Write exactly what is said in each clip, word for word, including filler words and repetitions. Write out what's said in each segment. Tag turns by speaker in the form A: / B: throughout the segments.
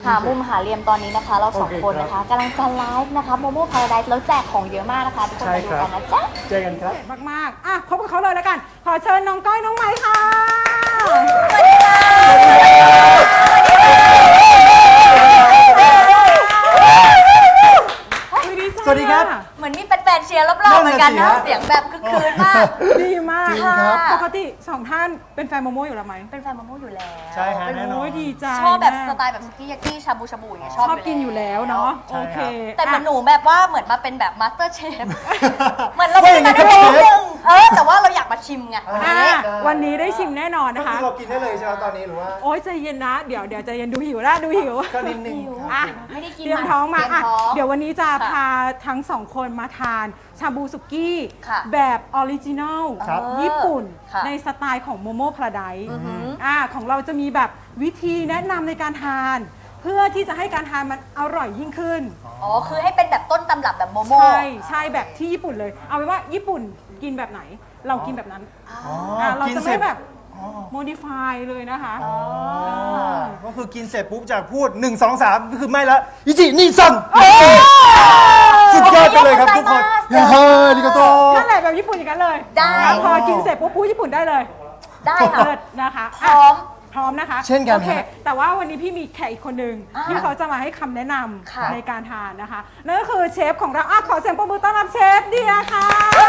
A: หามุมหาเหลี่ยมตอนนี้นะคะเราสองคนนะคะกำลังจะไลฟ์นะคะโมโม่พาราไดซ์แล้วแจกของเยอะมากนะคะทุกคนมาดูกันนะจ๊ะ
B: เจอกันครับ
C: มากๆอ่ะพบกับเขาเลยแล้วกันขอเชิญน้องก้อยน้องไม้ค่ะ
A: สวัสดีค่ะ
B: สวัสดีครับ
A: เหมือนมีแฟนๆเชียร์รอบๆเหมือนกันนะเสียงแบบคึกคืนมาก
C: ดีมาก
B: จริงครับ
C: ปกติสองท่านเป็นแฟนโมโม่อยู่แล้วไหม
A: เป็นแฟนโมโม่อยู่แล้ว
B: ใช่ฮะแน่นอน
C: โอ้ยดีใจ
A: ชอบแบบสไตล์แบบสุกี้ยากิชาบูชาบูอย่างเงี้ยชอบ
C: ชอบกินอยู่แล้วเนาะโอเค
A: แต่เหมือนหนูแบบว่าเหมือนมาเป็นแบบมาสเตอร์เชฟเหมือนเราเป็นมาได้นิดนึงเออแต่ว่าเราอยากมาชิมไง
C: วันนี้ได้ชิมแน่นอนนะคะ
B: เรากินได้เลยใช่ไหมตอนนี้หรือว่า
C: โอ้ยใจเย็นนะเดี๋ยวเดี๋ยวใจเย็นดูหิวแล้วดูหิว
B: ก็นิดนึง
C: อ่ะ
A: ไม่ได้กิน
C: เตรียมท้องมาอ่ะเดี๋ยววันนี้จะพาทั้งสองคนมาทานชาบูสุกี้แบบออริจินัลญี่ปุ่นในสไตล์ของโมโม่พาราไดซ์อ่าของเราจะมีแบบวิธีแนะนำในการทานเพื่อที่จะให้การทานมันอร่อยยิ่งขึ้น
A: อ๋อคือให้เป็นแบบต้นตำรับแบบโมโม่
C: ใช่ใช่แบบที่ญี่ปุ่นเลยเอาไว้ว่าญี่ปุ่นกินแบบไหนเรากินแบบนั้นเราจะไม่แบบโมดิฟายเลยนะคะ
B: ก็คือกินเสร็จปุ๊บจากพูดหนึ่ง สอง สามก็คือไม่ละอิจินี่ซังสุดยอดไปเลยครับทุกคนเฮ้ยลิโกโต
C: นั่นแหละแบบญี่ปุ่นอย่างนั้นเลย
A: ได้
C: พอกินเสร็จปุ๊บพูดญี่ปุ่นได้เลย
A: ได้ค่ะ
C: เลิศนะคะ
A: พร้อม
C: พร้อมนะคะ
B: เช่นกัน
C: โอเคแต่ว่าวันนี้พี่มีแขกอีกคนหนึ่งที่เขาจะมาให้คำแนะนำในการทานนะคะนั่นก็คือเชฟของเราอ่ะขอเสียงปรบมือต้อนรับเชฟเดียค่ะ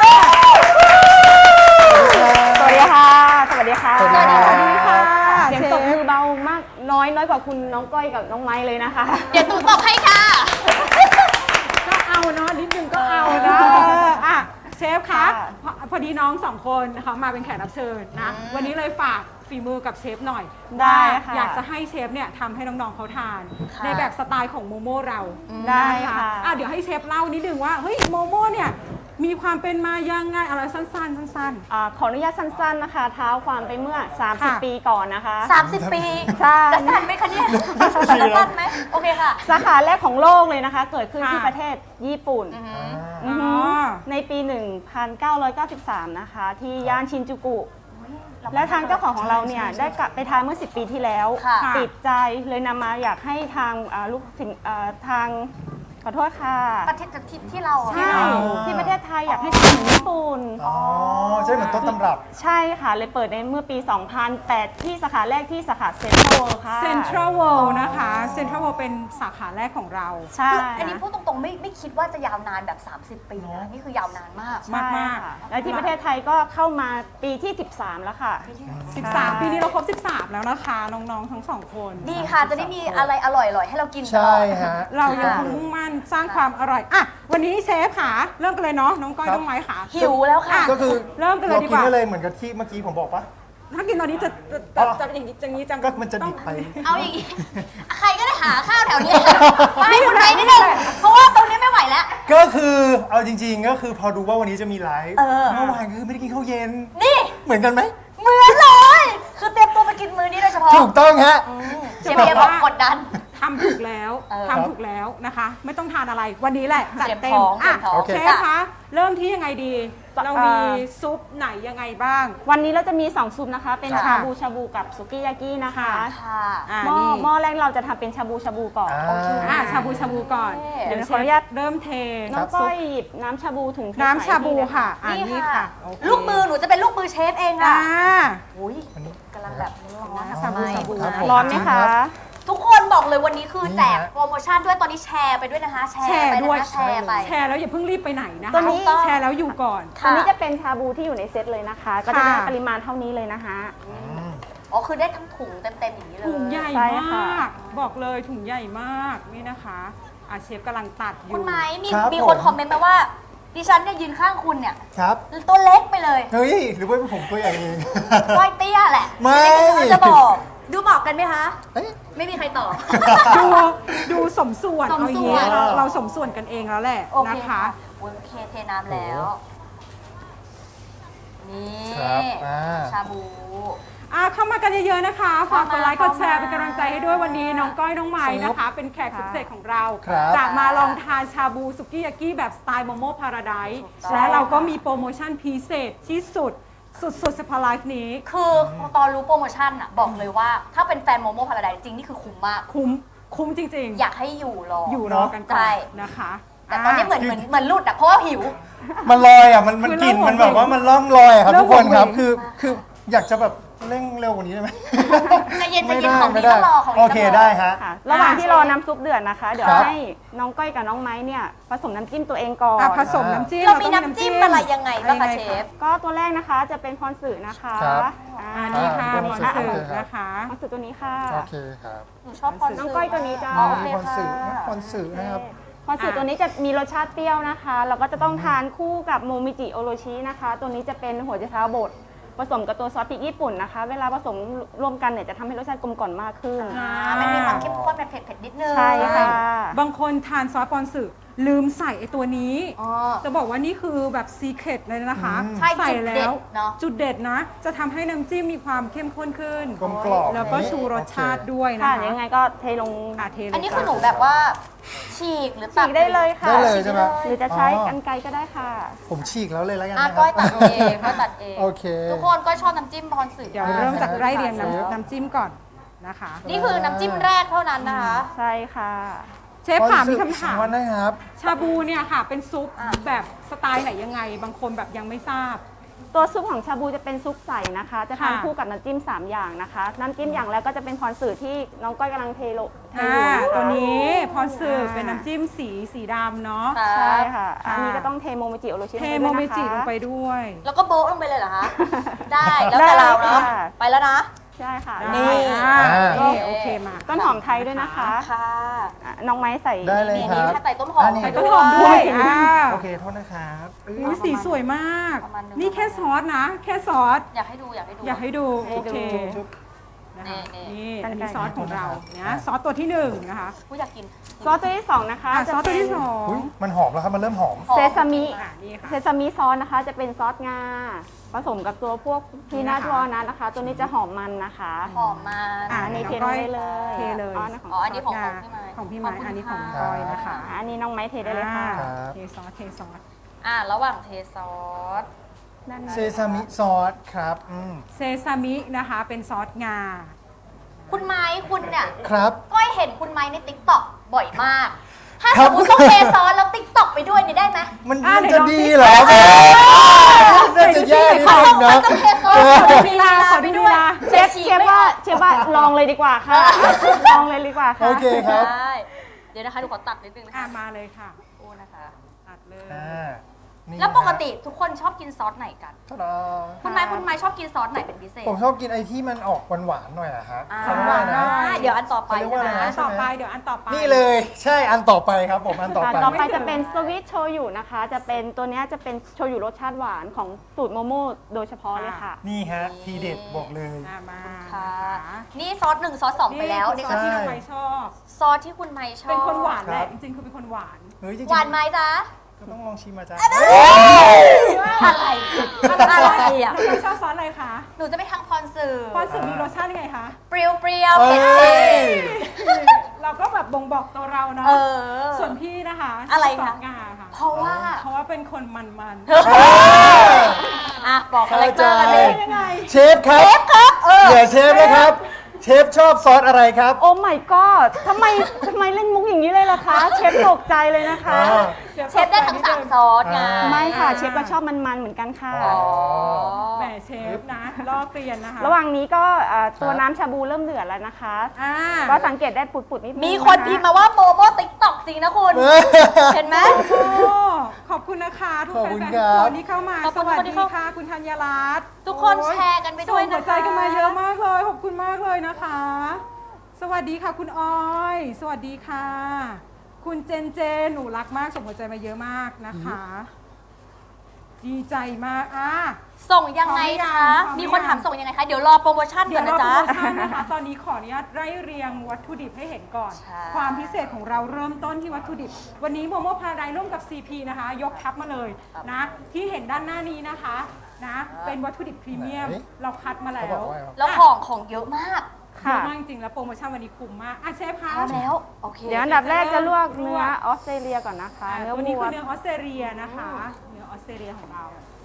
D: สวัสดีค่ะสวัสดีค่ะ
C: สวัสดีค่ะ
D: เสียงตบมือเบามากน้อยน้อยกว่าคุณน้องก้อยกับน้องไม้เลยนะคะ
A: เดี๋ยวตูตบให้ค่ะ
C: ก็เอาเนาะนิดนึงก็เอานะอ่ะเชฟคะพอดีน้องสองคนเขามาเป็นแขกรับเชิญนะวันนี้เลยฝากฝีมือกับเชฟหน่อย
D: ได้ค่ะ
C: อยากจะให้เชฟเนี่ยทำให้น้องๆเขาทานในแบบสไตล์ของโมโม่เรา
D: ได้ค่ะ
C: อ่ะเดี๋ยวให้เชฟเล่านิดนึงว่าเฮ้ยโมโม่เนี่ยมีความเป็นมายังไงอะไรสั้นๆสั้น
D: ๆอขออนุญาตสั้นๆนะคะเท้าความไปเมื่อสามสิบปีก่อนนะคะ
A: สามสิบปี
D: ใช่
A: จะสั้นไหมคะเนี่ยจะสั้นไหมโอเคค่ะ
D: สาขาแรกของโลกเลยนะคะเกิดขึ้นที่ประเทศญี่ปุ่นในปีหนึ่งพันเก้าร้อยเก้าสิบสามนะคะที่ย่านชินจูกุและทางเจ้าของของเราเนี่ยได้กลับไปทานเมื่อสิบปีที่แล้วติดใจเลยนำมาอยากให้ทางลูกสินทางขอโทษค่ะ
A: ประเทศที่ที่เรา
D: ใช่ที่ประเทศไทยอยากให้ทำเหมือนญี่ปุ่น
B: อ๋อใช่เหมือนต้นตำรับ
D: ใช่ค่ะเลยเปิดในเมื่อปีสองพันแปดที่สาขาแรกที่สาขาเซ็นทรัลเวิลด์ค่ะ
C: เซ็นทรัลเวิลด์นะคะเซ็นทรัลเวิลด์เป็นสาขาแรกของเรา
D: ใช่
A: อันนี้พูดตรงๆไม่ไม่คิดว่าจะยาวนานแบบสามสิบปีนะนี่คือยาวนานมาก
D: มากมากและที่ประเทศไทยก็เข้ามาปีที่สิบสามแล้วค่ะ
C: สิบสามปีนี้เราครบสิบสามแล้วนะคะน้องๆทั้งสองคน
A: ดีค่ะจะได้มีอะไรอร่อยๆให้เรากินตลอด
B: ใช่ฮะ
C: เรายังคงมุ่งมั่นสร้างความอร่อยอ่ะวันนี้เชฟค่ะเริ่มกันเลยเนาะน้องก้อยน้องไม้ค่ะ
A: หิวแล้วค่ะ
B: ก็คือ
C: เริ่มกันเลยดีกว่า
B: เรากินได้เลยเหมือนกับที่เมื่อกี้ผมบอกปะ
C: ถ้ากินตอนนี้จะจะจะอย่างนี้อย่างนี้จัง
B: ก็มันจะดิบไป
A: เอาอย่างนี้ใครก็ได้หาข้าวแถวนี้มาให้คนไทยนิดนึงเพราะว่าตรงนี้ไม่ไหวแล้ว
B: ก็คือเอาจริงๆก็คือพอรู้ว่าวันนี้จะมีไลฟ์เมื่อวานคือไม่ได้กินข้าวเย็น
A: นี่
B: เหมือนกันไหม
A: เหมือนเลยคือเตรียมตัวไปกินมื้อนี้โดยเฉพาะ
B: ถูกต้องฮะ
A: เชฟเบียร์บอกกดดัน
C: ทำถูกแล้วทำถูกแล้วนะคะไม่ต้องทานอะไรวันนี้แหละจัดเต็ม
A: อ่ะ
C: เชฟคะเริ่มที่ยังไงดีเรามีซุปไหนยังไงบ้าง
D: วันนี้เราจะมีสองซุปนะคะเป็นชาบูชาบูกับสุกี้ยากินะคะหม้อหม้อแรกเราจะทำเป็นชาบูชาบูก่อน
C: อ่าชาบูชาบูก่อน
D: เดี๋ยวขออนุญาต
C: เริ่มเท
D: น้องก้อยหยิบน้ำชาบูถุง
C: น้ำชาบูค่ะ
A: นี่ค่ะลูกมือหนูจะเป็นลูกมือเชฟเองค่ะอุ้ยกำลังแบบร้อน
C: ชาบูชาบู
D: ร้อนไหมคะ
A: ทุกคนบอกเลยวันนี้คือแจกโปรโมชั่นด้วยตอนนี้แชร์ไปด้วยนะคะ
C: แชร์ไปด้วย
A: แชร์ไป
C: แชร์แล้วอย่าเพิ่งรีบไปไหนนะคะ
D: ตอนนี้
C: แชร์แล้วอยู่ก่อน
D: ตอนนี้จะเป็นชาบูที่อยู่ในเซตเลยนะคะก็จะได้ปริมาณเท่านี้เลยนะคะ
A: อ๋อคือได้ทั้งถุงเต็มๆอย่างนี้เลย
C: ถุงใหญ่มากบอกเลยถุงใหญ่มากนี่นะคะอาเชฟกำลังตัดอยู่
A: คุณไม้มีมีคนคอมเมนต์มาว่าดิฉันเนี่ยยืนข้างคุณเนี่ย
B: ครับ
A: ตัวเล็กไปเลย
B: เฮ้ยหรือว่าผมตัวใหญ่เอง
A: ก้อยเตี้ยแหละ
B: ไม่
A: จะบอกดูบอกกันไหมคะไม่มีใครตอบ
C: ดูดูสมส่วนเอาอย่างนี้เราสมส่วนกันเองแล้วแหละนะคะ
A: โอเคเทน้ำแล้วนี่ชาบู
C: อ่ะเข้ามากันเยอะๆนะคะฝากกดไลค์กดแชร์เป็นกำลังใจให้ด้วยวันนี้น้องก้อยน้องไม้นะคะเป็นแขกสุดพิเศษของเราจะมาลองทานชาบูสุกี้ยากิแบบสไตล์โมโม่พาราไดซ์และเราก็มีโปรโมชั่นพิเศษที่สุดสุดๆสปาไลฟ์นี้
A: คือตอนรู้โปรโมชั่นอ่ะบอกเลยว่าถ้าเป็นแฟนโมโม่พาราไดซ์จริงนี่คือคุ้มมาก
C: คุ้มคุ้มจริงๆ
A: อยากให้อยู่รอ
C: อ
A: อยู่
C: รอกันก่อ
A: ใช่
C: นนะคะ
A: แต่ตอนนี้เหมือนเหมือนเหมือนหลุดอะเพราะว่าหิว
B: มันลอยอ่ะมันมัน
C: คือก
B: ลิ่น
C: เริ่ม
B: มันแบบ
C: หมด
B: ว่ามันล่องลอยอะครับ
C: เริ่
B: ทุ
C: ม
B: กคนครับ
C: หมด
B: คือคืออยากจะแบบเร่งเร็วกว่านี้ได้ไหม
A: ใจเย็นใจ
B: ไม่
A: เย็น
B: ได้
A: ของดี
B: ไม่ได้
A: ต้องรอของดี
B: โอเค
A: ต้องรอ
B: ได้ฮะ
D: ค่ะ ระหว่างที่รอน้ำซุปเดือดนะคะ เดี๋ยว
B: ครับ
D: ให้น้องก้อยกับน้องไม้เนี่ยผสมน้ำจิ้มตัวเองก่อน
C: อ่ะผสมน้ำจิ้ม
A: เรามี
C: ต้อง
A: น้ำจิ้มอะไรยังไงบ้างคะเชฟ
D: ก็ตัวแรกนะคะจะเป็นพรสื่อนะคะ
B: ครับ
D: อ่า
C: อ่านี่ค่ะ
B: อ่า
C: บอล
B: อ่า
C: สื่อ
B: โอเคครับ
C: นะคะ
D: พรสื่อตัวนี้ค่ะ
B: โอเคครับ
A: หนูชอบคอน
D: น้องก้อยตัวนี้จ้า
A: อ๋อโอเค
B: คอนสื่อ
A: ค่ะ
B: คอนสื่อนะครับ
D: พรสื่อตัวนี้จะมีรสชาติเปรี้ยวนะคะแล้วก็จะต้องทานคู่กับโมมิจิโอโรชินะคะ ตัวนี้จะเป็นหัวใจเท้าบดผสมกับตัวซอสพริกญี่ปุ่นนะคะ เวลาผสมรวมกันเนี่ยจะทำให้รสชาติกลมกล่อมมากขึ้น
A: อ่ามันมีความเข้มข้นแบบเผ็ดๆนิดนึง
D: ใช่ค่ะ
C: บางคนทานซอสปอนสึลืมใส่ไอตัวนี้
A: อ๋อ
C: จะบอกว่านี่คือแบบซีเครตเลยนะคะ
B: อืม
A: ใช่
C: ใส่
A: จุด
C: แล้
A: เด็
C: ว
A: ดเนาะ
C: จุดเด็ดนะ จะทำให้น้ำจิ้มมีความเข้มข้นขึ้น
B: กลมกล่อม
C: แล้วก็ชูรสชาติด้วยนะ
D: ค่ะ
C: คะ
D: ยังไงก็เทลง
C: อ่ะเทเลย
A: อันนี้
C: จ้ะ
A: คือหนูแบบว่าฉีกหรือตั
D: ฉีกได้เลยค่ะ
B: ได้เลยใช่ไหม
D: หรือจะใช้
B: อ๋อ
D: กรรไกรก็ได้ค่ะ
B: ผมฉีกแล้วเลยแล้วกัน
A: อ่ะ
B: นะค
A: ก้
B: รั
A: อยตัดเองก้อยตัดเอง
B: โอเค
A: ทุกคนก้อยชอบน้ำจิ้มพรสื่อ
C: เดี๋ยว
A: มาก
C: เริ่มจากไล่เรียง
B: เชฟ
C: น้ำน้ำจิ้มก่อนนะคะ
A: นี่คือน้ำจิ้มแรกเท่านั้นนะคะ
D: ใช่ค่ะ
C: เชฟถามมีคำถาม
B: วันนะครับ
C: ชาบูเนี่ยค่ะ เป็นซุป
A: อ่ะ
C: แบบสไตล์ไหนยังไง บางคนแบบยังไม่ทราบ
D: ตัวซุปของชาบูจะเป็นซุปใสนะคะ จะทาน
C: ค่ะ
D: คู่กับน้ำจิ้มสามอย่างนะคะ น้ำจิ้มอย่างแรกก็จะเป็นพรสื่อที่น้องก้อยกำลังเทโลเท
C: อ่า
D: อยู่นะคะ
C: ตัวนี้พรสืบเป็นน้ำจิ้มสีสีดำเนาะ
A: ค่ะ
D: ใช่ค่ะ
C: ค่ะ
D: อันนี้ก็ต้องเทโมเมจิโอโรชิ
C: เท
D: ลง
C: โม
D: ไป
C: เม
D: ด้วยนะคะ
C: จิลงไปด้วย
A: แล้วก็โบ๊ะลงไปเลยเหรอคะ ได้แล้วแต่เราเนาะ
D: ได้ค่ะ
A: ไปแล้วนะ
D: ใช่ค่ะ
C: นี่
B: อ่า
C: นี่โอเคมา
D: ต้นหอมไทยด้วยนะคะ
A: ค่ะ
D: อ่ะน้องไม้ใส่
B: ได้เลย
A: นี่
B: ครั
A: นี่
B: บ
A: ถ้าใส่ต้นหอม
B: อันนี้
C: ใส่ต้นหอมด้วยอ่า
B: โอเคโทษนะครับอื้อ
C: อุ๊ยสีสวยมาก
A: ประมาณหนึ่ง
C: นี่แค่ซอสนะ แค่ซอส
A: อยากให้ดูอยากให้ดู
C: อยากให้ดู
D: ให้
C: โอ
D: ดู
C: เค
B: จุ๊บ
C: นะคะ
A: นี่
C: นี่อันนี้ซอสของเราเนี่ยซอสตัวที่หนึ่งนะคะ
A: ผู้อยากกิน
D: ซอสตัวที่สองนะคะ
C: อ่ะ
D: จะ
C: ซอสตัวที่ส
D: เป็น
C: อง
B: อุ๊ยมันหอมแล้วครับ มันเริ่มหอม
A: หอม
D: เซซามิ
C: อ่ะนี่ค่ะ
D: เซซามิซอสนะคะ จะเป็นซอสงา ผสมกับตัวพวกพีนัท
C: นะคะ
D: วอลนัทนะคะ ตัวนี้จะหอมมันนะคะ
A: หอมมัน
C: อ่ะ
D: อันนี้
C: น้
D: เท
C: อง
D: ล
C: ก้
D: ง
C: อย
D: ได้เลย
C: เทเลย
D: อ๋อนะของ
A: อ๋ออันนี้ของ
C: งา
A: ของพี่ไม้
C: ของพี่ไม้
A: ขอบคุณ
C: อันนี้ของ
A: ค่ะ
C: ก้อยนะคะ
D: อันนี้น้องไม้เทได้เลยค่ะ
C: อ่า
B: ครับ
C: เทซอสเทซอส
A: อ่ะระหว่างเทซอส
D: ด้านใน
B: เซซามิซอสครับอืม
C: เซซามินะคะเป็นซอสงา
A: คุณไม้คุณเนี่ย
B: ครับ
A: ก้อยเห็นคุณไม้ในติ๊กต็อกบ่อยมาก ถ้า
B: ครั
A: ส
B: บ
A: มมติต้องเทซอสแล้วติ๊กต็อกไปด้วยนี่ได้ไหม
B: มัน
C: อ่ะ
B: มัน
C: เดี๋
B: จะ
C: ยวลอง
B: ดี
C: สิ
B: เหรอน่าจะแย่นิดนึงนะ
A: ต้องเทซอส
B: เออ
C: ขอดูลีลาขอดูลีลา
D: เชฟเชฟว่าเชฟว่าลองเลยดีกว่าค่ะ ลองเลยดีกว่าค่ะ
B: โอเคครับ
A: ได้เดี๋ยวนะคะหนูขอตัดนิดนึงนะ
C: อ่ะ
A: คะ
C: มาเลยค่ะ
A: โอ้นะคะ
C: ตัดเลย
B: อ่านี่
A: แล้วปกติทุกคนชอบกินซอสไหนกัน
B: ตะดา
A: คุณไม้คุณไม้ชอบกินซอสไหนเป็นพิเศษ
B: ผมชอบกินไอ้ที่มันออกหวานๆหน่อยอะฮะ
A: อ่า
B: เขาเรียกว่าอะไรนะ
A: เดี๋ยวอันต่อไป
B: เขาเรียกว่าอะไร
A: ใช่ไหม
B: นะ
C: อันต่อไปเดี๋ยวอันต่อไป
B: นี่เลย ใช่ อันต่อไปครับผม อันต่อไป
D: ต่อไปจะเป็นสวิตโชยุนะคะ จะเป็นตัวเนี้ยจะเป็นโชยุรสชาติหวานของสูตรโมโม่โดยเฉพาะเลยค่ะ
B: นี่ฮะ ทีเด็ดบอกเลย
C: อ่ะมา
A: ค่ะ
C: นะคะ
A: นี่ซอสหนึ่งซอสสองไปแล้ว
C: นี่
A: นี่
C: คือซอสที่
B: ใช่
C: น้องไม้ชอบ
A: ซอสที่คุณไม้ชอบ
C: เป็นคนหวาน
B: ค
C: แห
B: รั
C: ละ
B: บ
C: จริงๆคือเป็นคนหวาน
B: เฮ้ยจริงๆ
A: หวานไหมจ๊ะ
B: ก็ต้องลองชิมมาจ้า
A: อะไรอะไรอ่ะ
C: น้องไม้ชอบซอสอะไรคะ
A: หนูจะไปทางคอนเสิร์ต
C: ความสึกมีรสชาติยังไงคะ
A: เปรี้ยวเปรี้ยว
B: เอ้
A: เผ็ด
B: ย
A: เผ็ด
C: เราก็แบบบ่งบอกตัวเราเนาะ
A: เออ
C: ส่วนพี่นะคะ
A: อะไร
C: ซอ
A: คะ
C: สงาค่ะ
A: เพราะว่า
C: เพราะว่าเป็นคนมันๆ
A: อ่ะบอกคาแรคเตอร์กันเลย
C: ยังไง
B: เชฟครับ เชฟครับเดี๋ยวเชฟนะครับ เชฟชอบซอสอะไรครับ
D: โอ้ my god ทำไมทำไมเล่นมุกอย่างนี้เลยล่ะคะ เชฟตกใจเลยนะคะ
B: อ่า
A: เชฟได้ทั้งสามซอสไง
B: อ่า
D: ไม่ค่ะ เชฟก็ชอบมันๆเหมือนกันค่ะ
A: อ๋อ
C: แหมเชฟนะลอกเรียนนะคะ
D: ระหว่างนี้ก็อ่าตัว
B: ครับ
D: น้ำชาบูเริ่มเดือดแล้วนะคะ
C: อ่า
D: ก็สังเกตได้ปุดๆนิดนึง
A: มีคน
D: ะะ
A: พิมพ์มาว่าโบโบติ๊กต็อกจริงนะคุณ เห็นไหม
C: โอ้ขอบคุณนะคะทุก
B: ขอบคุณ
C: แฟน
B: ค
C: ๆ
B: รั
C: ทุก
B: บ
C: คนที่เข้ามา
A: ขอบ
C: ส
A: คุณ
C: วัส
A: ทุกคนที่
C: ดี
A: เข้า
C: ค่ะ คุณธัญรัตน์
A: ทุกคน
C: โอ้
A: แชร์กันไปด้วยนะคะ
C: ส่งหัวใจกันมาเยอะมากเลย ขอบคุณมากเลยนะคะ สวัสดีค่ะคุณออย สวัสดีค่ะ คุณเจนเจนหนูรักมากส่งหัวใจมาเยอะมากนะคะ ดีใจมากอ่ะ
A: ส่งยังไง
C: พร้อมหรือยั
A: คะ
C: งพร้อมหรือยัง
A: มีคนถามส่งยังไงคะ เดี๋ยวรอโปรโมชั่น
C: เดี๋
A: ก่
C: ย
A: อ
C: วน เรา
A: นะ
C: โปร
A: จ๊ะ
C: โมชั่นนะคะ ตอนนี้ขออนุญาตไล่เรียงวัตถุดิบให้เห็นก่อน
A: ใช่
C: ความพิเศษของเราเริ่มต้นที่วัตถุดิบ วันนี้โมโมพาราไดร่วมกับ ซี พี นะคะ ยกทัพมาเลยนะ ที่เห็นด้านหน้านี้นะคะนะ เป็นวัตถุดิบพรีเมียม
B: ไหน
C: เราคัดมาแล้
B: เขาบ
C: ว
B: อกว่าไงวะ
A: แล้วของของเยอะมาก
C: เยอะมากจริงๆแล้วโปรโมชั่นวันนี้คุ้มมากอ่ะเชฟคะ
A: พร้อมแล้ว โอเค
D: เดี๋ยวอันดับแรกจะลวก
C: ลวก
D: เนื้อออสเตรเลียก่อนนะคะ
C: อ่ะ
D: เนื้อ
C: ตัวนี้
D: วั
C: คื
D: ว
C: อเนื้อออสเตรเลียนะคะ เนื้อออสเตรเลียของเรา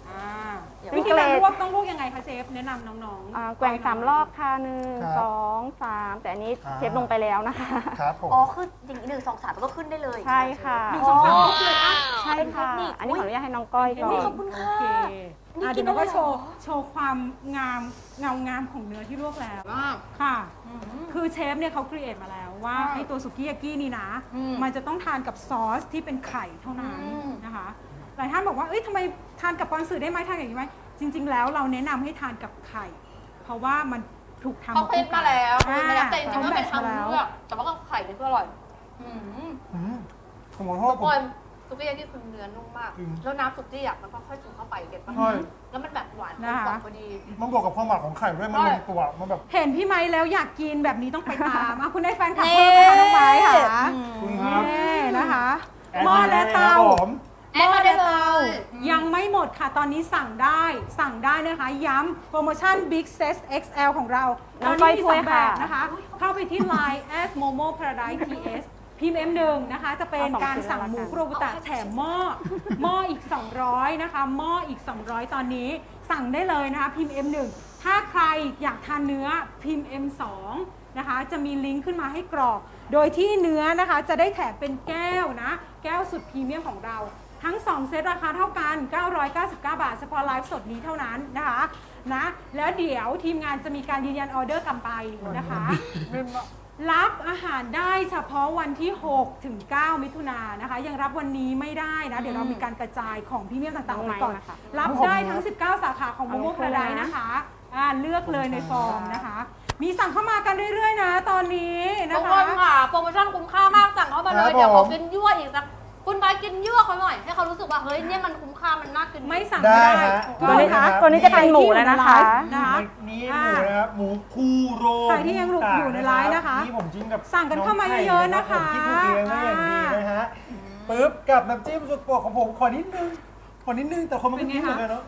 C: อ่า
D: เดี๋ยว
C: วิธีการลวกต้องลวกยังไงคะเชฟแนะนำน้องๆ
D: อ่าแกว่งสามรอบค่ะหนึ่ง
B: ครับ
D: สองสามแต่อันนี้
B: อ่า
D: เชฟลงไปแล้วนะคะ
B: ครับผม
A: อ๋อคืออย่างนี้หนึ่งสองสามมันก็ขึ้นได้เลย
D: ใช่ค่ะ
C: หนึ่งสองสามครบเลยอ่ะ
D: ใช่ค่ะ อันนี้ขออนุญาตให้น้องก้อยก่อ
A: นี่
D: น
A: ขอบคุณ
C: โอ
A: ค่ะ
C: เค
A: นี่
C: อ่ะ
A: กิ
C: เดี๋
A: น
C: ยวเราก็
A: ได้เลย
C: โชว์
A: เหรอ
C: โชว์ความงามเงางามของเนื้อที่ลวกแล้ว
A: มาก
C: ค่ะ
A: อืม
C: คือเชฟเนี่ยเขาครีเอทมาแล้วว่า
A: ใช่
C: ไอตัวสุกี้ยากินี่นะ
A: อืม
C: มันจะต้องทานกับซอสที่เป็นไข่เท่านั้น
A: อืม
C: นะคะ หลายท่านบอกว่าเอ้ยทำไมทานกับปอนสื่อได้ไหมทานอย่างนี้ไหมจริง ๆ แล้วเราแนะนำให้ทานกับไข่ เพราะว่ามันถูกทำ
A: เขาคิดมาแล้ว
C: อ่า
A: ไม่ได้แต่จริงๆก็เป็น
C: ขา
A: ทาง
C: แมทช์มา
A: เลือกแต่ว่าก็ไข่นี่ก็อร่อยอืม
B: อืมผมขอโทษ
A: ทุก
B: ผ
A: ค
B: ม
A: นซุกี้ยากิคือเนื้อนุ่มมาก
B: จริง
A: แล้วน้ำซุกี้อ่ะมันก็ค่อยซึมเข้าไปเก็ตปะ
B: ใช่
A: แล้วมันแบบหวานกล
C: นะ
A: ม
C: คะ
A: กล่อมพอดี
B: มันบวกกับความหวานของไข่ด้วยมันลงตัวมันแบบ
C: เห็นพี่ไม้แล้วอยากกินแบบนี้ต้องไปตามอ่ะคุณได้แฟนคลับ
A: นี่
C: เพิ่มนะคะน้องไม้ค่ะ
B: คุณครับ
C: นี่นะคะ
B: แอด
C: หม้อและเตา
B: ครับผม
A: แอดมาได้เลย
C: ยังไม่หมดค่ะ ตอนนี้สั่งได้ สั่งได้นะคะ ย้ำโปรโมชั่น Big Set เอ็กซ์ แอล ของเรา ต
D: น้
C: อ
D: อน ง
C: นี้
D: ก้อย
C: มี
D: ถ้
C: ส
D: ว
C: อย งแบ
D: ค่ะ
C: บนะคะ เข้าไปที่ ไลน์ แอท โมโม พาราไดซ์ ที เอส พิมพ์ เอ็ม หนึ่ง นะคะ จะเป็น
D: เอาสอง
C: การสั่ง
D: ชิ้น
C: หมู
D: แล้วกัน
C: คุโรบุตะแถมหม้อ หม้ออีก สองร้อย นะคะ หม้ออีก สองร้อย ตอนนี้ สั่งได้เลยนะคะ พิมพ์ เอ็ม หนึ่ง ถ้าใครอยากทานเนื้อ พิมพ์ เอ็ม สอง นะคะ จะมีลิงก์ขึ้นมาให้กรอก โดยที่เนื้อนะคะ จะได้แถมเป็นแก้วนะ แก้วสุดพรีเมียมของเรา ทั้ง สอง เซตราคาเท่ากัน เก้าร้อยเก้าสิบเก้า บาท เฉพาะไลฟ์สดนี้เท่านั้นนะคะนะแล้วเดี๋ยวทีมงานจะมีการยืนยันออเดอร์กลับไปนะคะ รับอาหารได้เฉพาะวันที่ หกถึงเก้า มิถุนายนนะคะ ยังรับวันนี้ไม่ได้นะ เดี๋ยวเรามีการกระจายของพรีเมียมต่างๆออกไปก่อน
D: นะคะ
C: รับได้ทั้ง สิบเก้า สาขาของโมโมพาราไดซ์นะคะอ่าเลือกเลยในฟอร์มนะคะ มีสั่งเข้ามากันเรื่อยๆนะ ตอนนี้นะ
A: ทุก
C: คะ
A: คนค่ะ โปรโมชั่นคุ้มค่ามากสั่งเข้ามาเลย
B: ครับ
A: เดี๋ยว
B: ผม
A: เขากินยั่วอีกสักคุณบายกินยั่วเขาหน่อย ให้เขารู้สึกว่า เฮ้ยเนี่ยมันคุ้มค่ามันน่ากิน
C: ไม่สั่ง
B: ได้
C: ไม่ได้
B: ฮะ
D: ตัวนี้
C: ก็
D: ตัวนี้จะเป็นหมูแล้วนะคะ
C: นะคะ
B: นี่หมูนะครับหมูคูโร
C: ใครที่ยังหลุดอยู่ในไลน์นะคะ
B: นี่ผมจิ้มกับ
C: สั่งกันเข้ามาเยอะๆนะคะ
B: องไข่รับผมที่ถูกเลี้ยงไว้อย่างดีนะฮะปึ๊บกับน้ำจิ้มสุดโปรดของผมขอนิดนึงขอนิดนึงแต่คนมันก็กินเหมือนกันเนาะ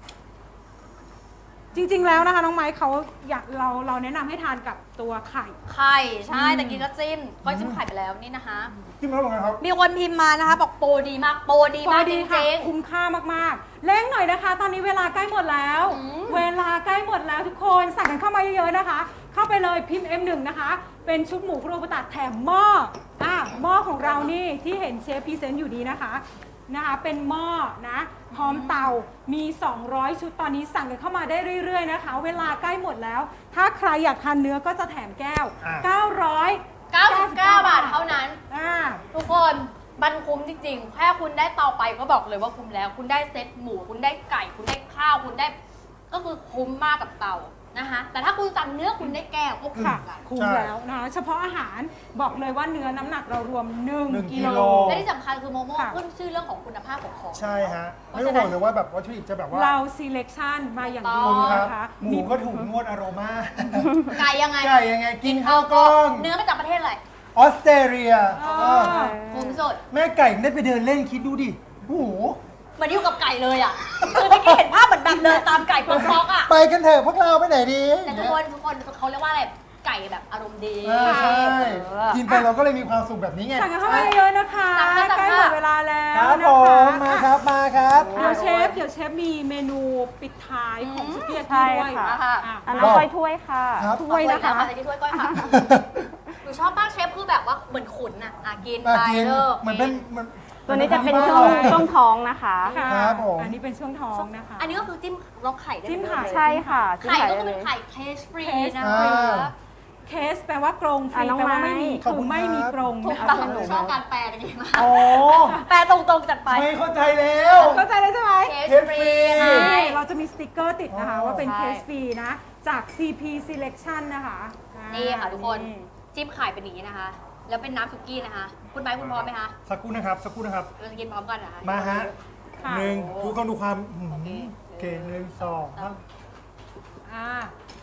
C: จริงๆแล้วนะคะน้องไม้เขาอยากเราเราแนะนำให้ทานกับตัวไข่
A: ไข่ใช่แต่กินก็จิ้มก็จิ้มไข่ไปแล้วนี่นะคะ
B: จิ้มแล้วเหมือนกันครับ
A: มีคนพิมพ์มานะคะบอกโปรดีมากโปรดีมากจ
C: ค่ะ
A: ริง
C: คุ้มค่ามากๆเร่งหน่อยนะคะ ตอนนี้เวลาใกล้หมดแล้ว
A: อืม
C: เวลาใกล้หมดแล้วทุกคนสั่งกันเข้ามาเยอะๆนะคะ เข้าไปเลยพิมพ์ เอ็ม หนึ่ง นะคะ เป็นชุดหมูคุโรบุตะแถมหม้ออ่ะหม้อของเรานี่ที่เห็นเชฟพรีเซนต์อยู่นี้นะคะนะคะ เป็นหม้อนะพร้อมเตามี สองร้อย ชุดตอนนี้สั่งกันเข้ามาได้เรื่อยๆนะคะ เวลาใกล้หมดแล้ว ถ้าใครอยากทานเนื้อก็จะแถมแก้ว
B: อ่ะ
C: เก้าร้อย
A: ๆ เก้าสิบเก้า บาทเท่านั้น
C: อ่า
A: ทุกคนมันคุ้มจริงๆ แค่คุณได้เตาไปก็บอกเลยว่าคุ้มแล้ว คุณได้เซตหมู คุณได้ไก่ คุณได้ข้าว คุณได้ ก็คือคุ้มมากกับเตานะคะ แต่ถ้าคุณสั่งเนื้อคุณได้แก้วก็คุ้ม
C: ค่ะ
A: กัน
C: คุ้ม
B: ใช่
C: แล้วนะคะเฉพาะอาหารบอกเลยว่าเนื้อน้ำหนักเรารวม
B: หนึ่ง
C: 1 กิ
B: กิ
C: โล
B: โล
A: และที่สำคัญคือโมโม่
C: ค่ะ
A: ขึ้นชื่อเรื่องของคุณภาพของของ
B: ใช่ฮะไม่ต้องห่วงเลยว่าแบบวัตถุดิบจะแบบว่า
C: เรา selection มาอย่างดี
B: คุณครับ
C: นะคะ
B: หมูก็ถูกนวดอโรมา
A: ไก่ยังไง
B: ไก่ยังไงกินข้าวกล้อง
A: เนื้อมาจากประเทศอะไร
B: ออสเตรเลีย
C: อ๋อ
B: เออ
A: คุ้มสุด
B: แม่ไก่ได้ไปเดินเล่นคิดดูดิโอ้โห
A: เหมือนอยู่กับไก่เลยอ่ะ คือเมื่อกี้เห็นภาพเหมือนแบบเดินตามไก่ป๊อกๆอ่ะ
B: ไปกันเถอะพวกเราไปไหนดี
A: แต่ทุกคนทุกคนเขาเรียกว่าอะไร ไก่แบบอารมณ์ดี
B: เออใช่
A: เออ
B: กินไปเราก็เลยมีความสุขแบบนี้ไง
C: สั่งกันเข้ามาเยอะๆนะคะ
A: สั่งค่ะสั่งค่ะ
C: ใกล้หมดเวลาแล้
B: คว รับ
C: นะ
B: ผ
C: คะ
B: มมาครับมาครับ
C: เดี๋ยวเชฟเดี๋ยวเชฟมีเมนูปิดท้ายของสุกี้ยา
D: ใช่
C: กิด้วย
D: ค่ะ
C: อ่
A: อ่ะ
D: อันน้องก้อยถ้วยค่ะ
B: ครับ
C: ถ้วยนะคะ
A: ใส่ที่ถ้วยก้อยค่ะหนูชอบมากเชฟคือแบบว่าเหมือนขุนอ่ะอ่ะกิน
B: มา
A: ไป
B: กิน
A: เลิก
B: เหมือนเป็นเหมือน
D: ตัวนี้จะเป็น
B: หมือ
D: ช่วง
B: บ้า
D: ช่วงท้องนะคะ
C: ค่ะ
B: ครับผม
C: อันนี้เป็นช่วงท้องนะคะ
A: อันนี้ก็คือจิ้มล็อกไข่ได้
C: จิ้มไข่
A: เลย
D: ใช่ค่ะจิ้ม
A: ไข่
D: ไข่
A: ก็
D: ได้
A: คือ
D: เล
A: เป็น
D: ย
A: ไข่เคสฟรี
C: Case
A: นะ
B: อ่า
A: คะ
C: เคสแปลว่ากรงฟ
D: อ่ะ
C: รี
D: น้อง
C: แปลว่า
D: ไม้
C: ไม่มี
B: ขอบ
C: คื
B: คุ
C: อ
B: ณ
C: ไม่มี
B: ครับ
C: กรง
A: ถูก
C: นะคะ
A: ต้อง
C: เป็นหนู
A: ชอบการแปลกันดีมาก
B: โอ้
A: แปลตรงๆจัดไป
B: ไม่เข้าใจแล้ว
C: เข้าใจเลยใช่ไหม
A: เคสฟรี
B: เคสฟรี
A: ใช่
C: ใช่เราจะมีสติกเกอร์ติดนะคะ
B: อ๋อ
C: ว่าเป็น
A: ใช่
C: เคสฟรีนะ จาก ซี พี Selection นะคะอ่า
A: นี่ค่ะทุกคนจิ้มไข่เป็นอย่างนี้นะคะ แล้วเป็นน้ำสุกี้นะคะ คุณไบร์ทคุณพร้อมไหมคะ
B: สักครู่นะครับสักครู่นะครับ
A: เราจะกินพร้อมกันนะคะ
B: มาฮะ
C: ค่ะ
B: หนึ่งทุกคนดูความหืม
A: โอเค
B: โอเคหนึ่งสองครับ
C: อ่า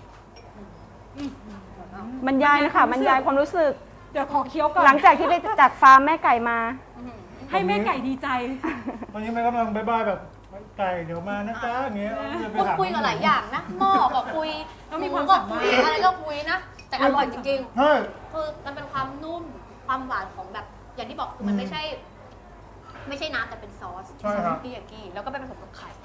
D: บรรยายนะคะบรรยายความรู้สึก
C: เดี๋ยวขอเคี้ยวก่อน
D: หลังจากที่ไปจากฟาร์มแม่ไก่มา
C: ให้แม่ไก่ดีใจ
B: วันนี้แม่กำลังบายบายแบบไก่เดี๋ยวมานะจ๊ะอย่างเงี้ยจะไป
A: พูด
B: ถาม
A: คุยกับหลายอย่างนะหม้อก็คุย
C: ต้องมีความ
A: หก็
C: สามารถ
A: คุยอะไรก็คุยนะ แต่อร่อยจริง
B: เฮ้ย
A: ๆ คือมันเป็นความนุ่ม ความหวานของแบบ อย่างที่บอกคือมัน
B: อืม
A: ไม่ใช่ ไม่ใช่น้ำแต่เป็นซอส
B: ใช่ครับ
A: ซอสปิยากิแล้วก็ไปผสมกับไข่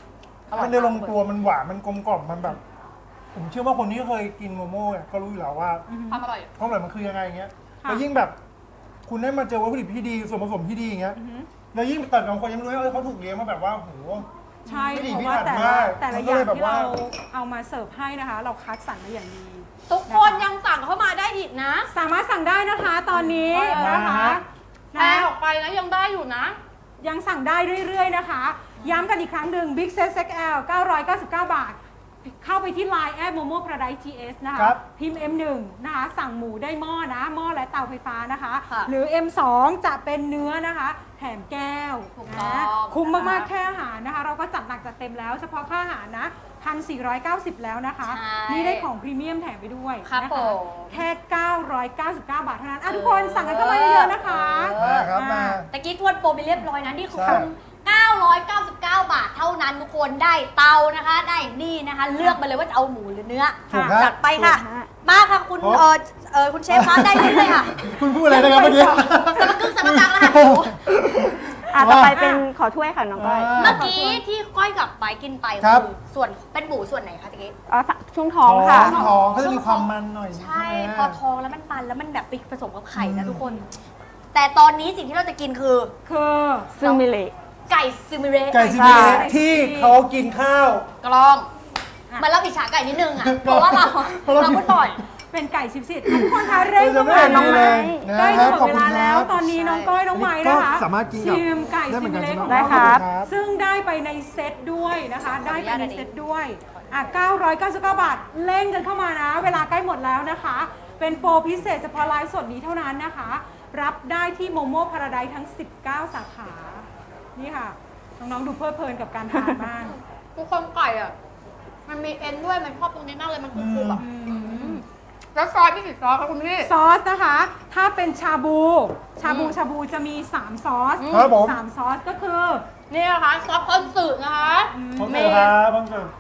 B: มันได้ลงตัวมันหวานมันกลมกล่อมมันแบบ ผมเชื่อว่าคนที่เคยกินโมโม่เนี่ยก็รู้อยู่แล้วว่า
A: ความอร่อย
B: ความอร่อยมันคือยังไงอย่างเงี้ย
C: ค่ะ
B: แล้วยิ่งแบบ คุณได้มาเจอวัตถุดิบที่ดีส่วนผสมที่ดีอย่างเงี้ยแล้วยิ่งตัดกับคนยังไม่รู้ว่าเออเขาถูกเลี้ยงมาแบบว่าโห
C: ใช่
B: ไม่ดี
C: เพราะว่า
B: พิถัน
C: แต่
B: มา
C: ละ
B: ก
C: แต่ละ
B: มัน
C: อ
B: ก็
C: ย่า
B: เล
C: ง
B: ยแบบ
C: ที่
B: ว่า
C: เราเอามาเสิร์ฟให้นะคะ เราคัดสรรมาอย่างดี
A: ทุกคนยังสั่งเข้ามาได้อีกนะ
C: สามารถสั่งได้นะคะตอนนี้
B: มา
C: นะคะ
B: ฮะ
A: แพรออกไปนะยังได้อยู่นะ
C: ยังสั่งได้เรื่อยๆนะคะ ย้ำกันอีกครั้งหนึ่ง Big Set เอ็กซ์ แอล เก้าร้อยเก้าสิบเก้า บาท เข้าไปที่ ไลน์ แอด โมโม่ พาราไดซ์ ที เอส นะคะ
B: ครับ
C: พิมพ์ เอ็ม หนึ่ง นะคะ สั่งหมูได้หม้อนะ หม้อและเตาไฟฟ้านะคะ
A: ค่ะ
C: หรือ เอ็ม สอง จะเป็นเนื้อนะคะ แถมแก้ว
A: ถูกต้อง
C: นะคุ้มมาก
A: นะคะ
C: ๆ แค่อาหารนะคะ เราก็จัดหนักจัดเต็มแล้ว เฉพาะค่าอาหารนะ หนึ่งพันสี่ร้อยเก้าสิบ แล้วนะคะ
A: ใช่
C: นี่ได้ของพรีเมียมแถมไปด้วย
A: ครับ
C: นะ
A: ผ
C: คะ
A: ม
C: แค่ เก้าร้อยเก้าสิบเก้า บาทเท่านั้นอ่ะทุกคนสั่งกันเข้ามาเยอะๆนะคะ
B: มาครับมา
A: ตะกี้ทวนโปรไปเรียบร้อยนะนี่คือ
B: ใช่
A: คุณเก้าร้อยเก้าสิบเก้า บาทเท่านั้นทุกคนได้เตานะคะ ได้นี่นะคะ เลือกมาเลยว่าจะเอาหมูหรือเนื้อ
B: ถูกครับ
A: จัดไปค่ะ
D: ถูกฮะ
A: มาค่ะคุณ
B: โอ้
A: เออเออคุณเชฟคะได้เลยค่ะ
B: คุณพูดอะไรนะครับเมื่อกี้
A: สมกึ่งสมกังแล้วค่ะ
D: อ่ะต่อไปเป็นขอถ้วยค่ะน้องก้อย
B: อ่า
A: เมื่อกี้ที่ก้อยกับไปกินไป
B: ครับ
A: คือส่วนเป็นหมูส่วนไหนคะตะกี้
D: อ๋อช่วงท้องค่ะ
B: ท้องท้องก็จะมีความมันหน่อย
A: ใช่
B: ไหม
A: พอทองแล้วมันมันแล้วมันแบบไปผสมกับไข่นะทุกคน แต่ตอนนี้สิ่งที่เราจะกินคือ
C: คือ
D: ซึ่งมิเล
A: ไก่ซิมิเระ
B: ไก่ซีเมเละที่เขากินข้าว
A: กลองเหมันเราอิจฉาไก่นิดนึงอ่ะ เพราะว่าเรา
B: เพราะเรา
A: เราพูดบ่อย
C: เป็นไก่ชิปสิทธิ์ทุกคนคะเร่ง
B: เราจะ
C: เข้า
B: ไม่
C: มา
B: เห็น
C: น้อง
B: เลยนะ
C: ไม้ใกล้
B: ค
C: จะ
B: รับ
C: หมดเวลาแล้ว
B: ขอบคุณครับ
C: ตอนนี้น้องก้อยน้องไม้นะคะ
B: ก็สามารถกินกับ
C: ชิมไก่
B: ได้เหมื
C: ซิ
B: อน
C: มิ
B: กัน
C: เละของ
B: ใช่
C: เรา
B: ไหม
D: ได้ครับ
B: ครับ
C: ซึ่งได้ไปในเซตด้วยนะคะ ได้ไปในเซตด้วยอ่ะเก้าร้อยเก้าสิบเก้า บาทเร่งกันเข้ามานะ เวลาใกล้หมดแล้วนะคะ เป็นโปรพิเศษเฉพาะไลฟ์สดนี้เท่านั้นนะคะ รับได้ที่โมโม่พาราไดซ์ทั้ง สิบเก้า สาขา นี่ค่ะ น้องๆดูเพลิดเพลินกับการทานมาก
A: ทุกคนไก่อ่ะ มันมีเอ็นด้วย มันชอบตรงนี้มากเลย มันกรุบๆแบบแล้วซอสพี่กี่ซอสคะคุณพี่
C: ซอสนะคะ ถ้าเป็นชาบู ชาบูชาบูจะมี สาม ซอส
B: ครับผม
C: สามซอสก็คือ
A: นี่นะคะซอสคอนสึนะคะ
B: ผมเจอครับผมเจอง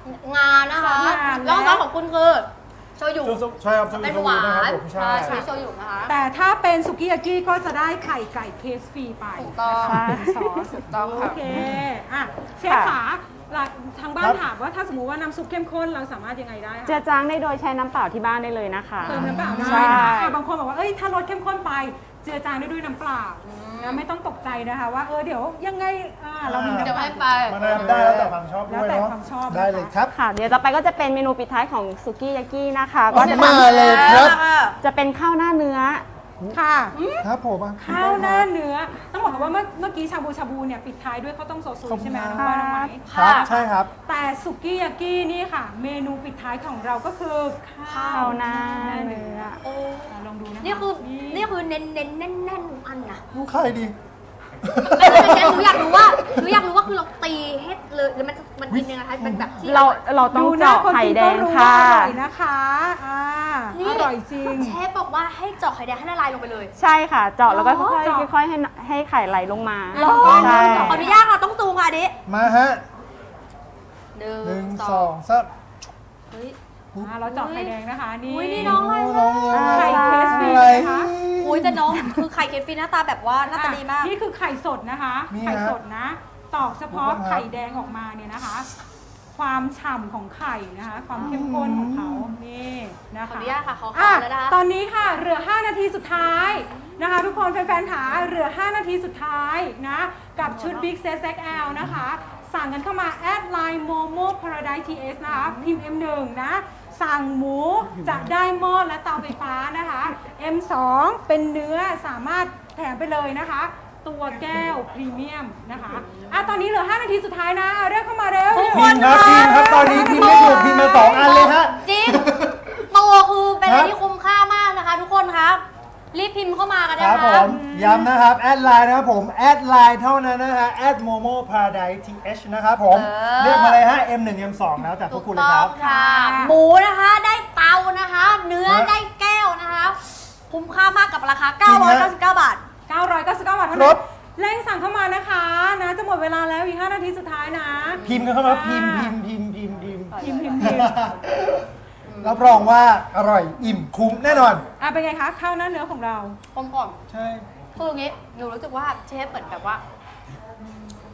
A: านะคะ
C: ซอสงา
A: แล้วซอสของคุณคือโชยุ
B: ใช่ครับจะมี
A: เป็น
B: โช
A: ห
B: ยุ
A: วา
B: นะครับ
A: น
B: ผมใช่
A: ใช่โชยุนะคะ
C: แต่ถ้าเป็นสุกี้ยากิก็จะได้ไข่ไก่เคสฟรีไป
A: ถูกต้อง
C: นะคะเป็นซอส
A: ถูกต้อง
C: โอ
A: ค่ะ
C: เคอ่ะเชฟขาหลักทางบ้านถามว่าถ้าสมมุติว่าน้ำซุปเข้มข้นเราสามารถยังไงได้
D: เจื
C: คะ
D: อจางได้โดยใช้น้ำเปล่าที่บ้านได้เลยนะคะ
C: เติมน้ำเปล่าได้
D: ใช่
C: นะคะอ่ะบางคนบอกว่าเอ้ยถ้ารสเข้มข้นไปเจือจางได้ด้วยน้ำเปล่านะไม่ต้องตกใจนะคะว่าเออเดี๋ยวยังไงอ่าเรามีน้ำ
A: เดี๋ยว
C: เปล่า
A: ให้ไป
B: มาได้ได้แล้วแต่ความชอบด้วย
C: แล้วแต่
B: เนาะ
C: ความชอบ
B: ได้เลยครับ
D: ค่ะ เดี๋ยวต่อไปก็จะเป็นเมนูปิดท้ายของสุกี้ยากินะคะ
B: อ๋
D: ก็
B: อ
D: จะ
B: มาเลยครับ
D: จะเป็นข้าวหน้าเนื้อ
C: ค่ะ
B: ครับผมอ่ะ
C: ข้าวหน้าเนื้อ ต้องบอกว่าเมื่อเมื่อกี้ชาบูชาบูเนี่ยปิดท้ายด้วยข้าวต้มโซซุยใช่ไหมน้องก้อยน้องไหม
B: ครับใช่ครับ
C: แต่สุกี้ยากินี่ค่ะ เมนูปิดท้ายของเราก็คือข้า
D: ข้าว วหน้าเนื้อ
A: โอ้
C: อ่ะลองดูนะคะ
A: นี่คือ นี่คือเน้นเน้นแน่นแน่นๆทุกอันนะ
B: ลูกใครดี
A: ไม่ใช่เชฟหนูอยากรู้ว่าหนูอยากรู้ว่าคือเราตีให้เลยหรือมันมันกินยังไงคะมันแบบที่
D: เราเราต้อง
C: ดูหน้า
D: เจาะ
C: คน
D: ไข่
C: กิน
D: แด
C: ก็
D: ง
C: รู้
D: ค่ะ
C: ว่าอร่อยนะคะอ่า
A: นี่
C: อร่อยจริง
A: เชฟบอกว่าให้เจาะไข่แดงให้ละลายลงไปเลย
D: ใช่ค่ะ เจาะแล้วก็
C: อ๋อ
D: ค่อย
C: เจาะ
D: ๆค่อยๆให้ให้ไข่ไหลลงมา
A: ลอง
D: ใช่
A: ขออนุญาตค่ะต้องซูมค่ะอันนี้
B: มาฮะ
A: หนึ่ง
B: หนึ่ง
A: ส
B: ส
A: อ
B: อง งสาม
A: เฮ้ย
C: อ่าเราเจาะไข่แดงนะคะนี่
A: อุ๊ยนี่น้องอะไร
B: น้องยัง
C: ไข่เคสฟรี
B: อะไร
C: นะคะ
A: อุ้ยแต่น้องคือไข่เคฟฟีหน้าตาแบบว่าหน้าตาดีมาก
C: นี่คือไข่สดนะคะ
B: นี่ฮะ
C: ไข่สดนะ ตอกเฉพาะ
B: ดูก่อนครับ
C: ไข่แดงออกมาเนี่ยนะคะ ความฉ่ำของไข่นะคะ ความเข้มข้นของเขานี่นะ
A: ขอ
C: คะ
A: อนุญาตค่ะขอ
C: อ่ะ
A: ข่าวแล้วนะคะ
C: ตอนนี้ค่ะเหลือ ห้า นาทีสุดท้ายนะคะ ทุกคนแฟนๆขาเหลือ ห้า นาทีสุดท้ายนะกับชุด Big Set เอ็กซ์ แอล นะคะ สั่งกันเข้ามาแอดไลน์ โมโม่ พาราไดซ์ ที เอส นะคะพิมพ์ เอ็ม หนึ่ง นะ สั่งหมูจะได้หม้อและเตาไฟฟ้านะคะ เอ็ม สอง เป็นเนื้อสามารถแถมไปเลยนะคะ ตัวแก้วพรีเมียมนะคะอ่ะตอนนี้เหลือ ห้า นาทีสุดท้ายนะเรียกเข้ามาเร็ว
A: ทุก
B: พิมพ์ครับพิมพ์ครับตอนนี้พิมพ์ไม่ถูกพิมพ์มาสองอันเลยฮะ
A: จริงโตคือเป็นอะไร
B: ครับ
A: ที่คุ้มค่ามากนะคะ ทุกคนครับ รีบพิมพ์เข้ามากัน
B: ค
A: นะ
B: รับผ
A: คะ
B: มย้ำนะครับ แอดไลน์นะครับผม แอดไลน์เท่านั้นนะฮะแอดโมโม่พาราไดซ์ทีเอชนะครับผม
A: เออ
B: เรียกมาเลยฮะ เอ็ม หนึ่ง เอ็ม สอง แล้วแต่พวกคุณเลยครับ
A: ถูกต้องค่ะ หมูนะคะได้เตานะคะ เนื้อ
B: ฮะ
A: ได้แก้วนะคะ คุ้มค่ามากกับราคา เก้าร้อยเก้าสิบเก้า บาท
C: เก้าร้อยเก้าสิบเก้า บาทเท่า
B: คร
C: นั้
B: บ
C: นเร่งสั่งเข้ามานะคะนะจะหมดเวลาแล้วอีก ห้า นาทีสุดท้ายนะ
B: พิมพ์กันเข้ามาพิมพ์พิมพ์พิมพ์พิมพ์พิมพ์
C: พิมพ์พิมพ์พิมพ์
B: รับรองว่าอร่อยอิ่มคุ้มแน่นอน
C: อ่ะเป็นไงคะข้าวหน้าเนื้อของเรา
A: กลมกล่อม
B: ใช่
A: คืออย่างงี้หนูรู้สึกว่าเชฟเหมือนแบบว่า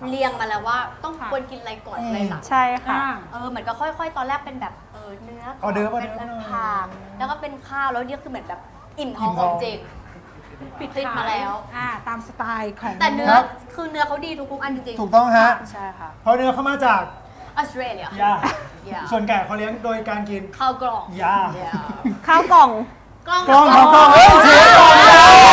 A: เรียงมาแล้วว่าต้อง
C: ค่ะ
A: ควรกินอะไรก่อนอะไรหลัง
D: ใช่ค่ะ
C: อ่า
A: เออเหมือนก็ค่อยๆ ตอนแรกเป็นแบบเออเนื้อ
B: ออเดิร์ฟ
A: เป็น
B: ออเดิร์ฟ
A: ผักแล้วก็เป็นข้าวแล้วเนี่ยคือเหมือนแบบอิ่มท้อง
B: อิ่ม
A: ข
B: ท้
A: อ
B: อง ง
A: จริง
C: ปิด
A: ติดมาแล้ว
C: อ่าตามสไตล์ของ
A: แต่เนื้อ
B: ครับ
A: คือเนื้อเขาดีทุกๆอันจริงๆ
B: ถูกต้องฮะ
A: ใช่ค่ะ
B: เพราะเนื้อเข้ามาจาก
A: ออสเตรเลีย
B: ยา
A: ยา
B: ส่วนไก่เขาเลี้ยงโดยการกิน
A: ข้าวกล่อง
B: ยา
A: ยา
D: ข้าวกล่อง
A: กล้อง
B: กล้องครับกล้องเฮ้ยเชฟก่อนเลย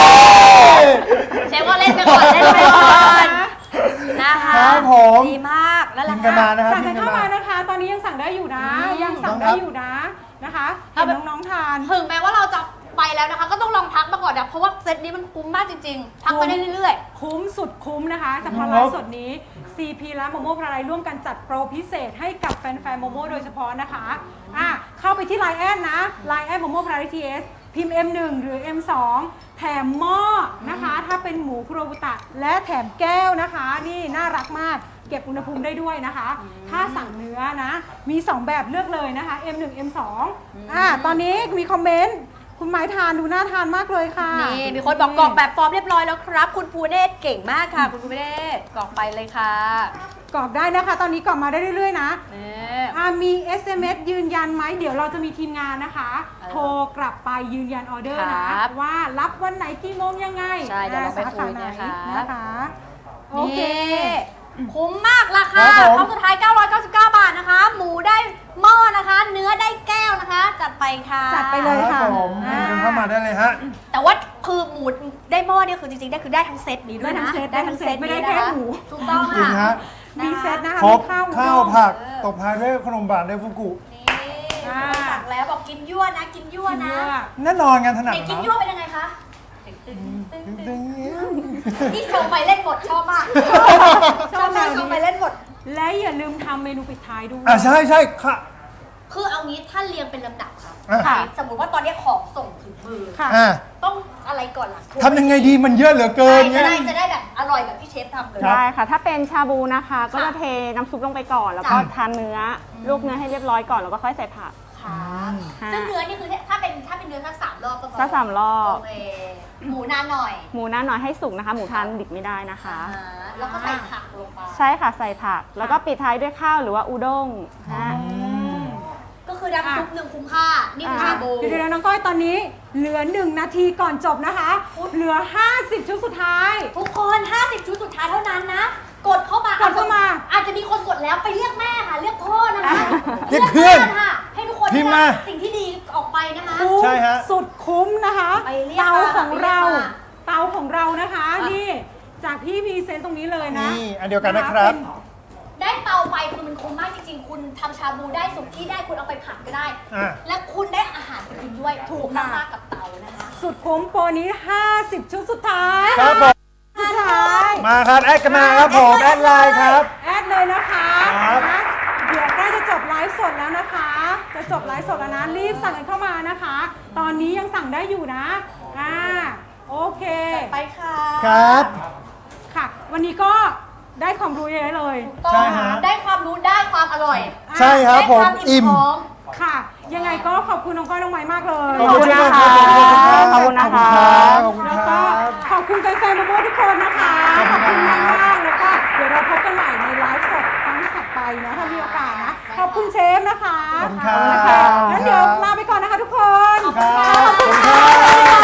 A: เชฟก็เล่นไปก่อนเล่นไปก่อนนะคะ
B: ครับผม
A: ดีมากแล้ว
B: กิ
A: ล่ะ
B: นกันมา
A: คะ
B: นะครับ
C: สั่ง
B: กิ
C: กัน
B: นกัน
C: เข้า
B: มา
C: มานะคะ ตอนนี้ยังสั่งได้อยู่นะ
A: อืม
C: ยังสั่งได้อยู่นะนะคะเห็นน้องๆทาน
A: ถึงแม้ว่าเราจะไปแล้วนะคะ ก็ต้องลองทักมาก่อนนะเพราะว่าเซตนี้มันคุ้มมากจริงๆ ทักไปได้เรื่อย
C: คุ้มสุดคุ้มนะคะเฉพาะ
B: ค
C: ไล
B: รับ
C: ฟ์สดนี้ ซี พี และโมโม่พาราไลร่วมกันจัดโปรพิเศษให้กับแฟนๆโมโม่โดยเฉพาะนะคะอ่ะเข้าไปที่ ไลน์ แอดนะ ไลน์ แอดโมโม่พาราไลทีเอสพิมพ์ เอ็ม หนึ่ง หรือ เอ็ม สอง แถมหม้อนะคะ ถ้าเป็นหมูคุโรบุตะ และแถมแก้วนะคะ นี่น่ารักมาก เก็บอุณหภูมิได้ด้วยนะคะ ถ้าสั่งเนื้อนะ มี สอง แบบเลือกเลยนะคะ เอ็ม หนึ่ง เอ็ม สอง อ่ะตอนนี้มีคอมเมนต์คุณหมายทานดูน่าทานมากเลยค่ะ
A: ๆ นี่มีคนบอกกรอกแบบฟอร์มเรียบร้อยแล้วครับ คุณภูเนศเก่งมากค่ะ คุณภูเนศกรอกไปเลยค่ะ
C: กรอกได้นะคะ ตอนนี้กรอกมาได้เรื่อยๆนะ
A: นี่
C: อ่ามี เอส เอ็ม เอส ยืนยันไหม เดี๋ยวเราจะมีทีมงานนะคะ
A: เออ
C: โทรกลับไปยืนยันออเดอร์นะ
A: ครับ
C: ว่ารับวันไหนกี่โมงยังไง
A: ใช่เดี๋ยวเราไป
C: สา
A: คุ
C: ขาย ไหน
A: นะคะ
C: นะคะ โอเค
A: นี่คุ้มมากราคา
B: ครับผม
A: ครั้งสุดท้าย เก้าร้อยเก้าสิบเก้า บาทนะคะ หมูได้หม้อนะคะ เนื้อได้แก้วนะคะ จัดไปค่ะ
C: จัดไปเลย
B: ครับผม
C: อ่า
B: เดินเข้ามาได้เลยฮะ
A: แต่ว่าคือหมูได้หม้อเนี่ยคือจริงๆได้คือได้ทั้งเซตนี้ด้วย
C: ได้ทั้
A: นะ
C: งเซตได้ทั้งเซตไม่ได้
A: นี้
C: แค่
A: นะคะ
C: หมู
A: ถูกต้อง
B: จริง
A: ค่ะ
B: ฮะ
C: มีเซตนะคะ
B: ครบ
C: มีข้าว
B: ข้าว
C: อุด้ง
B: ผัก
A: เออ
B: ตบท้ายด้วยขนมบานด้วยฟุกุ
A: นี่
C: อ่า
A: สั่งแล้วบอกกินยั่วนะกินยั่ว
C: กิน
A: นะ
C: เยอะ
B: แน่นอนงานถนัด
A: เด็กกิน
B: เนาะ
A: ยั่วเป็นยังไงคะตึ๊งตึ๊งตึ๊ง
B: ตึ
A: ตึ๊
B: ง
A: ง
B: ๆ
A: นี่ชมไปเล่นบทชอบมากชอบมากชมไปเล่นบท
C: และอย่าลืมทำเมนูปิดท้ายด้วย
B: อ่ะใช่ใช่ค่ะ
A: คือเอางี้ถ้าเรียงเป็นลำดับค่ะ
B: อ่ะ
C: ค่ะ
A: สมมุติว่าตอนนี้ของส่งถึงมือ
C: ค่ะ
B: อ่ะ
A: ต้องอะไรก่อนล่ะ
B: ทำยังไงดีมันเยอะเหลือเกิ
A: ใช่
B: น
A: จะ
B: เนี่ย
A: ได้จะได้แบบอร่อยแบบที่เชฟทำเลย
B: ครับ
D: ได้ค่ะ ถ้าเป็นชาบูนะคะ ก็จะเทน้ำซุปลงไปก่อน แล้วก็
A: จ้ะ
D: ทานเนื้อลวกเนื้อให้เรียบร้อยก่อน แล้วก็ค่อยใส่ผัก
A: ค่ะ
D: ค่ะ
A: ซึ่งเนื้อนี่คือถ้าเป็นถ้าเป็นเนื้อสักสามรอบก็พอ
D: สักสามรอบ
A: โอเคหมูนานหน่อย
D: หมูหน้าหน่อยให้สุกนะคะ หมูทานดิบไม่ได้นะคะ
A: อ่าแล้วก็ใส่ผักลงไป
D: ใช่ค่ะ ใส่ผัก แล้วก็ปิดท้ายด้วยข้าวหรือว่าอุด้งฮะ
A: ก็คือน้ำซุปหนึ่งคุ้มค่า นี่คือ
C: อ่ะ
A: ชาบู
C: เดี๋ยวๆน้องก้อยตอนนี้เหลือหนึ่งนาทีก่อนจบนะคะ เหลือ ห้าสิบ ชุดสุดท้าย
A: ทุกคนห้าสิบชุดสุดท้ายเท่านั้นนะ กดเข้ามาก
C: ดเข้ามา
A: อาจจะมีคนกดแล้วไปเรียกแม่ค่ะ เรียกพ่อนะคะ
B: เรียกเพื่อน
A: ค่ะ ให้ทุกคน
B: พิมพ์
A: ได้
B: มา
A: รับสิ่งที่ดีออกไปนะคะ
C: คุ้ม
B: ใช่ฮะ
C: สุดคุ้มนะคะ
A: ไปเรียก
C: เตา
A: มา
C: ของเรา
A: ไปเรียกมา
C: เตาของเรานะคะ
A: อ่ะ
C: นี่จากพี่พรีเซนต์ตรงนี้เลยนะ
B: นี่อันเดียวกันนะครับ
C: เป็น
A: ได้เตาไปคือมันคุ้มมากจริงๆ คุณทำชาบูได้สุกี้ได้คุณเอาไปผัดก็ได้
B: อ่ะ
A: และคุณได้อาหารไปกินด้วยถูกมากๆกับเตานะคะ
C: สุดคุ้มโปรนี้ ห้าสิบ ชุดสุดท้าย
B: ครับผม
C: สุดท้าย
B: มาครับแอดกันมาครับผมแอดไลน์ครับ
C: แอดเลยนะคะ
B: ครับ
C: นะเดี๋ยวใกล้จะจบไลฟ์สดแล้วนะคะ จะจบไลฟ์สดแล้วนะ รีบสั่งกันเข้ามานะคะ ตอนนี้ยังสั่งได้อยู่นะ อ่า โอเค
A: ไปค่ะ
B: ครับ
C: ค่ะ วันนี้ก็ได้ความรู้เยอะเลย
A: ต้อ
B: ใช่
A: ง
B: ฮะ
A: ได้ความรู้ได้ความอร่อย
B: ใช่ครับ
A: ได้
B: ผ
A: ค
B: ม
A: วาม
B: อิ่ม
A: ท้อง
C: ค่ะ ยังไงก็ขอบคุณน้องก้อยน้องไม้มากเลย
B: ขอบคุณมากครับ
D: ขอบคุณนะคะ
B: ขอบคุณ
C: แล้ว
B: ค
C: ก็
B: รับ
C: ขอบคุณแฟนๆโมโม่ทุกคนนะคะ
B: ขอบคุณครับ
C: มากๆแล้วก็เดี๋ยวเราพบกันใหม่ในไลฟ์สดครั้งถัดไปนะถ้ามีโอกาสนะ ขอบคุณเชฟนะคะ
B: ขอบคุณครับ
C: ค่ะงั้นเดี๋ยวลาไปก่อนนะคะทุกคน
B: ครับขอบคุณครับ